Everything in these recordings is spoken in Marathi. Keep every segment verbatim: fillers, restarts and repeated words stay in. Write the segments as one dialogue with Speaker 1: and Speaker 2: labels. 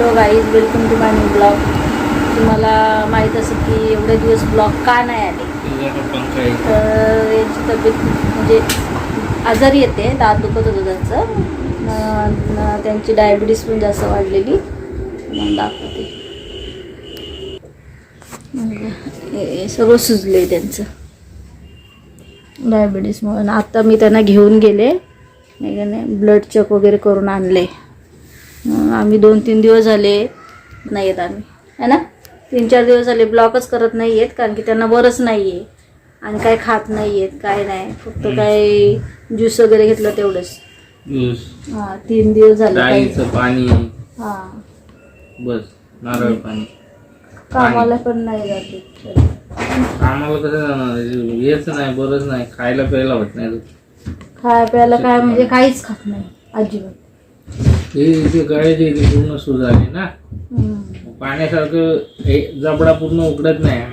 Speaker 1: Hello guys, welcome to my new blog. तुम्हाला माहीत असेल की एवढे दिवस ब्लॉग का नाही आले, तर यांची तब्येत म्हणजे आजारी येते, दात दुखत होतं त्यांचं, न त्यांची डायबिटीस पण जास्त वाढलेली म्हणून दाखवते. हे सगळं सुजले त्यांचं डायबिटीसमुळे. आता मी त्यांना घेऊन गेले, ब्लड चेक वगैरे करून आणले. आम्ही दोन तीन दिवस झाले नाही येत आम्ही, है ना, तीन चार दिवस झाले ब्लॉकच करत नाही आहेत, कारण की त्यांना बरंच नाही आहे आणि काय खात नाही आहेत, काय नाही, फक्त काय ज्यूस वगैरे घेतलं तेवढंच.
Speaker 2: ज्यूस,
Speaker 1: हां, तीन दिवस झाले.
Speaker 2: डाळीचं पाणी,
Speaker 1: हां
Speaker 2: बस, नारळ पाणी.
Speaker 1: कामाला पण नाही जाते.
Speaker 2: आम्हाला कसं जाणार, हेच नाही, बरंच नाही, खायला प्यायला होत नाही.
Speaker 1: खाय प्यायला काय म्हणजे काहीच खात नाही अजिबात.
Speaker 2: हे गळ्याची पूर्ण सूज आली ना, पाण्यासारखं हे जबडा पूर्ण उघडत नाही.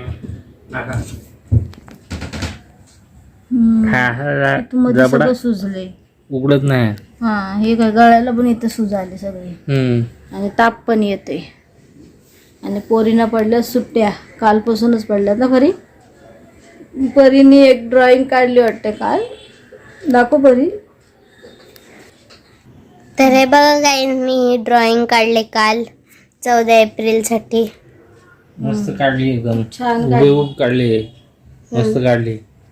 Speaker 1: जबडा सुजले,
Speaker 2: उघडत नाही.
Speaker 1: हा, हे काय गळ्याला पण इथं सूज आली सगळी आणि ताप पण येते. आणि पोरीना पडल्या सुट्ट्या, कालपासूनच पडल्यात ना. परी परीने एक ड्रॉइंग काढली वाटते काल, दाखव परी.
Speaker 3: तर हे बघा काय, मी ड्रॉइंग काढले काल चौदा एप्रिल साठी.
Speaker 2: मस्त काढली, एकदम
Speaker 1: छान
Speaker 2: हुबेहूब काढली, मस्त काढली.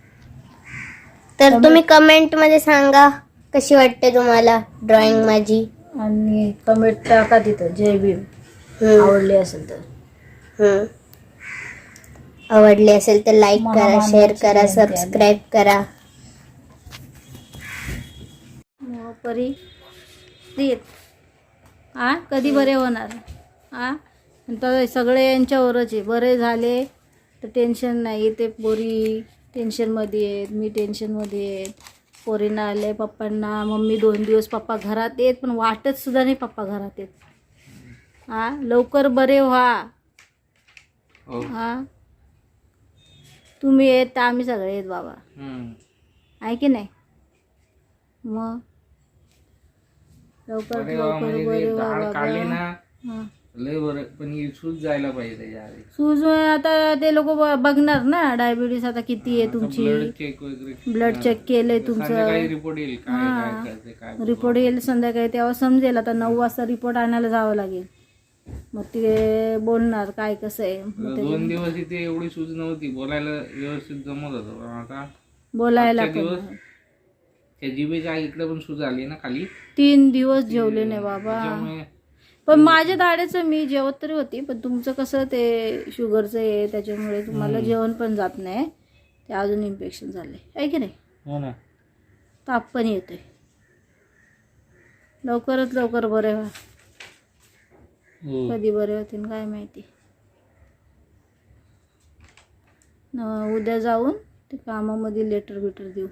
Speaker 3: तर तुम्ही कमेंट मध्ये सांगा कशी वाटते तुम्हाला ड्रॉइंग माझी,
Speaker 1: आणि कमेंट टाका तिथं जय भीम. आवडली असेल तर,
Speaker 3: हम्म आवडली असेल तर लाईक करा, शेअर करा, सबस्क्राईब करा.
Speaker 1: परी देत आ कधी बरे होणार? आ तर सगळे यांच्यावरच आहे. बरे झाले तर टेन्शन नाही, ते पोरी टेन्शनमध्ये आहेत, मी टेन्शनमध्ये आहेत. पोरींना आले, पप्पांना, मम्मी दोन दिवस पप्पा घरात येत, पण वाटत सुद्धा नाही पप्पा घरात येत. हा, लवकर बरे व्हा. हा, तुम्ही येत तर आम्ही सगळे येत बाबा, आहे की नाही? मग लवकर लवकर बरे व्हा बाबा.
Speaker 2: लय बरं, पण ही सूज जायला पाहिजे त्याच्या आधी.
Speaker 1: सूज आता ते लोक बघणार ना, डायबिटीस आता किती आहे तुमची,
Speaker 2: चेक वगैरे,
Speaker 1: ब्लड चेक केलंय तुमचं,
Speaker 2: रिपोर्ट येईल. काय
Speaker 1: रिपोर्ट येईल संध्याकाळी, तेव्हा समजेल. आता नऊ वाजता रिपोर्ट आणायला जावं लागेल, मग ते बोलणार काय कसं आहे.
Speaker 2: दोन दिवस इथे एवढी सूज नव्हती, बोलायला व्यवस्थित जमत होतं, पण आता
Speaker 1: बोलायला
Speaker 2: दिवस त्या जिभेच्या इकडे पण सूज आली ना खाली.
Speaker 1: तीन दिवस जेवले नाही बाबा. पण माझ्या दाढेचं मी जेवत तरी होती, पण तुमचं कसं ते शुगरचं आहे, त्याच्यामुळे तुम्हाला जेवण पण जात नाही, ते अजून इन्फेक्शन झाले, आहे की नाही?
Speaker 2: हो ना.
Speaker 1: ताप पण येतोय. लवकरात लवकर बरे व्हा. कधी बरे होतील काय माहिती. उद्या जाऊन ते कामामध्ये लेटर बिटर देऊ,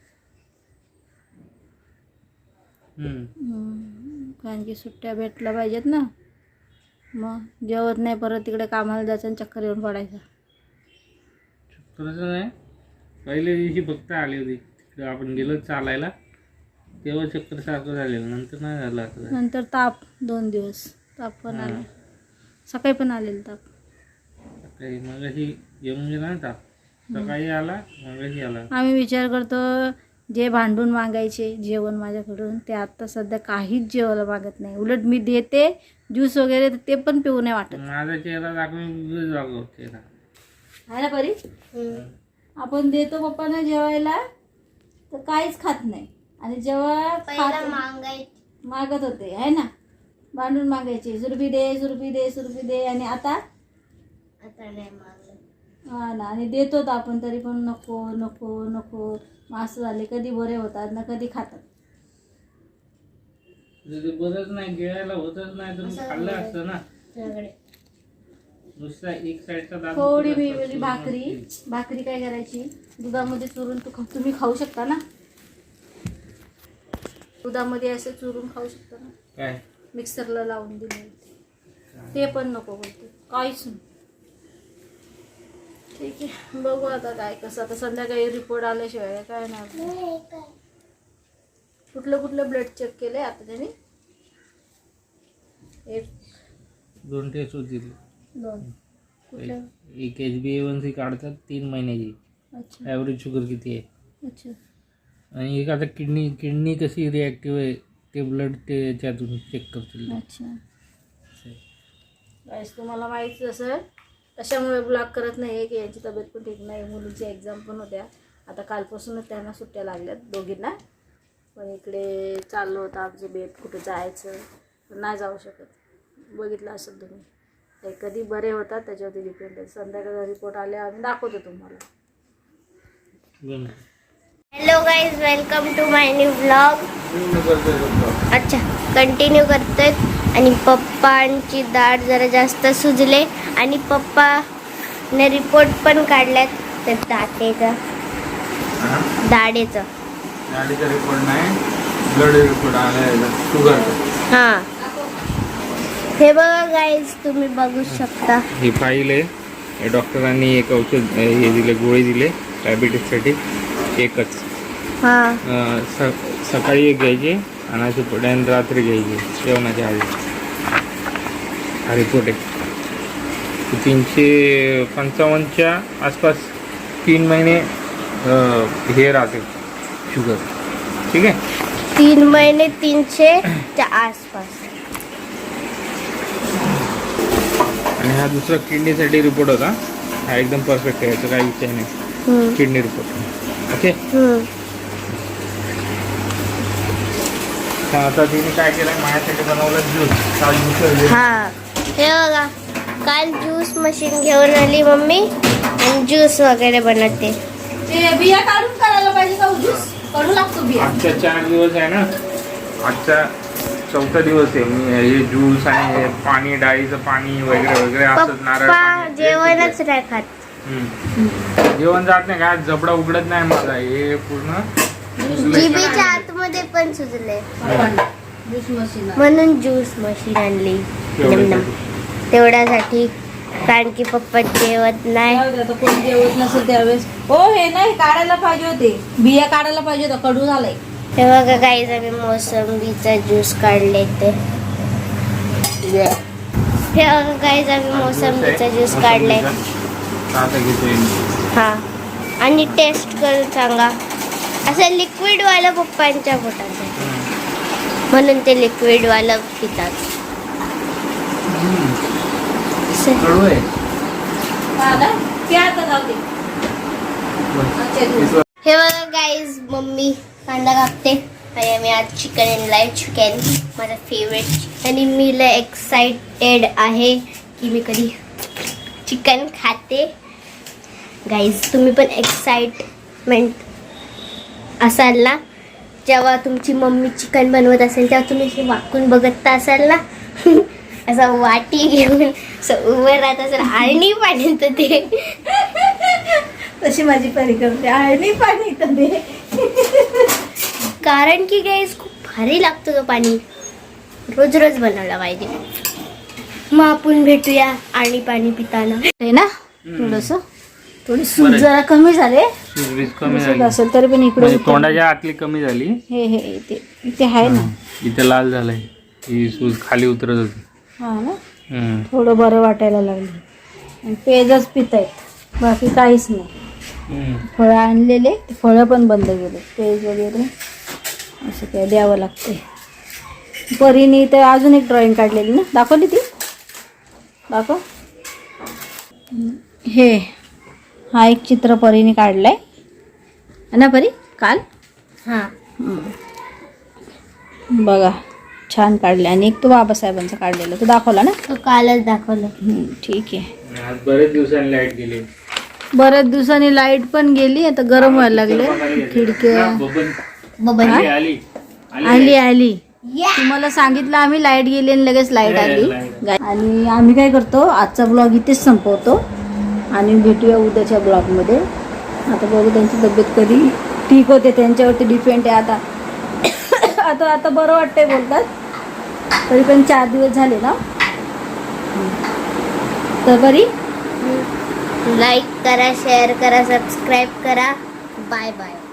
Speaker 1: कारण की सुट्ट्या भेटल्या पाहिजेत ना. मग जेवत नाही, परत तिकडे कामाला जायचं आणि चक्कर येऊन पडायचं.
Speaker 2: चक्करचं नाही, पहिल्या दिवशी फक्त आली होती, तिकडे आपण गेलो चालायला तेव्हा चक्कर सारखं झालेलं, नंतर नाही झालं. आता
Speaker 1: नंतर ताप, दोन दिवस ताप पण आला, सकाळी पण आलेलं ताप.
Speaker 2: सकाळी मगाशी येऊन गेला ना ताप, सकाळी आला, मगाशी आला.
Speaker 1: आम्ही विचार करतो, जे भांडून मागायचे जेवण माझ्याकडून, ते आता सध्या काहीच जेवायला मागत नाही. उलट मी देते ज्यूस वगैरे, ते पण पिऊ नाही वाटत.
Speaker 2: माझा चेहरा दाखवून जागो चेहरा
Speaker 1: आहे ना परी. आपण देतो पप्पांना जेवायला तर काहीच खात नाही, आणि जेव्हा मागत होते, आहे ना, भांडून मागायचे, सुरभी दे सुरभी दे सुरभी दे, आणि आता
Speaker 3: आता नाही मागलं.
Speaker 1: हा ना, आणि देतो तर आपण तरी पण नको नको नको. असं झाले, कधी बरे होतात ना कधी खातात.
Speaker 2: बरंच नाही, गिळायला होतच नाही, तर खाल्लं असतं ना. नुसता एक साईडचा दात.
Speaker 1: थोडी मी भाकरी भाकरी काय करायची, दुधामध्ये चुरून तू तुम्ही खाऊ शकता ना, दुधामध्ये असं चुरून खाऊ शकता ना.
Speaker 2: काय
Speaker 1: मिक्सरला लावून दिले, ते पण नको बोलते, काहीच नाही. ठीक आहे, बघू आता काय कसं. आता संध्याकाळी रिपोर्ट आल्याशिवाय काय नाही. कुठलं कुठलं ब्लड चेक केलंय आता त्यांनी? एक
Speaker 2: दोन टेस्ट होतील.
Speaker 1: दोन कुठल्या?
Speaker 2: एक H B A one C काढतात तीन महिन्याची,
Speaker 1: अच्छा
Speaker 2: ॲव्हरेज शुगर किती आहे,
Speaker 1: अच्छा
Speaker 2: आणि एक आता किडनी किडनी कशी रिॲक्टिव्ह आहे ते ब्लड ते याच्यातून चेक करतील.
Speaker 1: अच्छा. गाईस तुम्हाला माहीत असेल कशामुळे ब्लॉग करत नाही आहे की यांची तब्येत पण ठीक नाही, मुलीची एक्झाम पण होत्या. आता कालपासूनच त्यांना सुट्ट्या लागल्यात दोघींना. पण इकडे चाललं होतं आमचे बेत कुठे जायचं, पण नाही जाऊ शकत. बघितलं असेल तुम्ही, ते कधी बरे होतात त्याच्यावरती डिपेंड आहे. संध्याकाळचा रिपोर्ट आले आम्ही दाखवतो तुम्हाला.
Speaker 3: Hello guys, welcome to my new blog. अच्छा, कंटिन्यू करतोय. आणि पप्पांची दाढ जरा जास्त सुजले आणि पप्पाने रिपोर्ट पण काढल्यात तर दाटेचा दाढेचा
Speaker 2: दाढीचा रिपोर्ट नाही, ब्लड रिपोर्ट आला शुगर.
Speaker 3: हां, हे बघा गाईज, तुम्ही बघू शकता.
Speaker 2: ही फाईल आहे. हे डॉक्टरांनी एक औषध हे दिले, गोळी दिले डायबिटीससाठी एकच.
Speaker 3: हां,
Speaker 2: अं, स सकाळी एक घ्यायची आणि अशी पुढे रात्री घ्यायची जेवणाच्या आधी. हा रिपोर्ट आहे. तीनशे पंचावन्नच्या आसपास तीन महिने अं, हे राहते शुगर. ठीक आहे,
Speaker 3: तीन महिने तीनशेच्या आसपास.
Speaker 2: आणि हा दुसरा किडनीसाठी रिपोर्ट होता. हा एकदम परफेक्ट आहे, याचा काही विषय नाही.
Speaker 3: हम्म,
Speaker 2: किडनी रिपोर्ट ओके.
Speaker 3: हम्म.
Speaker 2: आता तिने काय केलं, माझ्यासाठी बनवलं ज्यूस. काल ज्यूस
Speaker 3: हा, हे बघा, काल ज्यूस मशीन घेऊन आली मम्मी आणि ज्यूस वगैरे बनवते.
Speaker 1: ते बिया काढून करायला पाहिजे का ज्यूस? काढू लागतो बिया.
Speaker 2: आजच्या चार दिवस आहे ना, आजचा चौथा दिवस आहे. मी हे ज्यूस आणि हे पाणी, डाळीचं पाणी वगैरे वगैरे असंच नारळ
Speaker 3: पप्पा
Speaker 2: पाणी
Speaker 3: जेवणच नाही खात.
Speaker 2: हम्म. जेवण जात नाही का, जबडा उघडत नाही माझा. हे पूर्ण
Speaker 3: जिभेच्या आतमध्ये पण सुजले,
Speaker 1: ज्यूस मशीन
Speaker 3: म्हणून ज्यूस मशीन आणली. नम-नम. तेवढ्यासाठी, कारण की पप्पा जेवत नाही.
Speaker 1: आता कोण जेवत नसेल त्यावेळेस. हो, हे नाही काढायला पाहिजे होते, बिया काढायला पाहिजे होता, कडू झालाय.
Speaker 3: हे बघा काही आम्ही मोसंबीचा ज्यूस काढले ते. हे बघा काही आम्ही मोसंबीचा ज्यूस काढलाय.
Speaker 2: आता घेतोय.
Speaker 3: हा, आणि टेस्ट करून सांगा. असं लिक्विड वाला पप्पांच्या पोटात आहे, म्हणून ते लिक्विड वाला पितात.
Speaker 2: कडू आहे.
Speaker 3: हे बघा गाईज, मम्मी कांदा कापते आणि आम्ही आज चिकन आणलाय. चिकन माझा फेवरेट, आणि मी लय एक्साइटेड आहे की मी कधी चिकन खाते. गाईज तुम्ही पण एक्साइटमेंट असाल ना, जेव्हा तुमची मम्मी चिकन बनवत असेल तेव्हा तुम्ही असे वाकून बघत असाल ना, असं वाटी घेऊन असं उभं राहत असेल आणि पाण्यात ते.
Speaker 1: तशी माझी परी करते, आणि पाणी तर दे.
Speaker 3: कारण की गाईज खूप भारी लागतो तो पाणी, रोज रोज बनवला पाहिजे. मग आपण भेटूया आणि पाणी पिताना.
Speaker 1: आहे ना, थोडस थोडी सूज जरा कमी झाले.
Speaker 2: सूज कमी
Speaker 1: सूज
Speaker 2: झाली
Speaker 1: असेल तरी पण इकडे
Speaker 2: म्हणजे तोंडाच्या आतली कमी झाली.
Speaker 1: हे हे इथे इथे आहे ना.
Speaker 2: इथे लाल झालंय, ही सूज खाली उतरत होती.
Speaker 1: हा ना,
Speaker 2: हम्म.
Speaker 1: थोडं बरं वाटायला लागलं. आणि पेजच पितायत, बाकी काहीच नाही.
Speaker 2: हम्म.
Speaker 1: फळं आणलेले, ते फळं पण बंद केले. पेज वगैरे असं काय द्यावं लागते. परीने तर अजून एक ड्रॉइंग काढलेली ना, दाखवली ती, दाखव. हे हा एक चित्र परीने काढलाय ना परी काल.
Speaker 3: हा,
Speaker 1: बघा छान काढले. आणि एक तो बाबासाहेबांचा काढलेला, तो दाखवला ना.
Speaker 3: तो कालच दाखवलं.
Speaker 1: हम्म, ठीक आहे.
Speaker 2: आज बरेच दिवसांनी लाईट गेली.
Speaker 1: बऱ्याच दिवसांनी लाईट पण गेली. आता गरम व्हायला लागले. खिडक्या
Speaker 3: बबन
Speaker 2: आली आली
Speaker 1: आली आली तुम्हाला सांगितलं आम्ही, लाईट गेली आणि लगेच लाईट आली. आणि आम्ही काय करतो, आजचा ब्लॉग इथेच संपवतो आणि भेटूया उद्याच्या ब्लॉगमध्ये. आता बघू त्यांची तब्येत कधी ठीक होते, त्यांच्यावरती डिपेंड आहे. आता आता आता बरं वाटतंय बोलतात, तरी पण चार दिवस झाले ना. तर बरी
Speaker 3: लाईक करा, शेअर करा, सबस्क्राईब करा. Bye bye.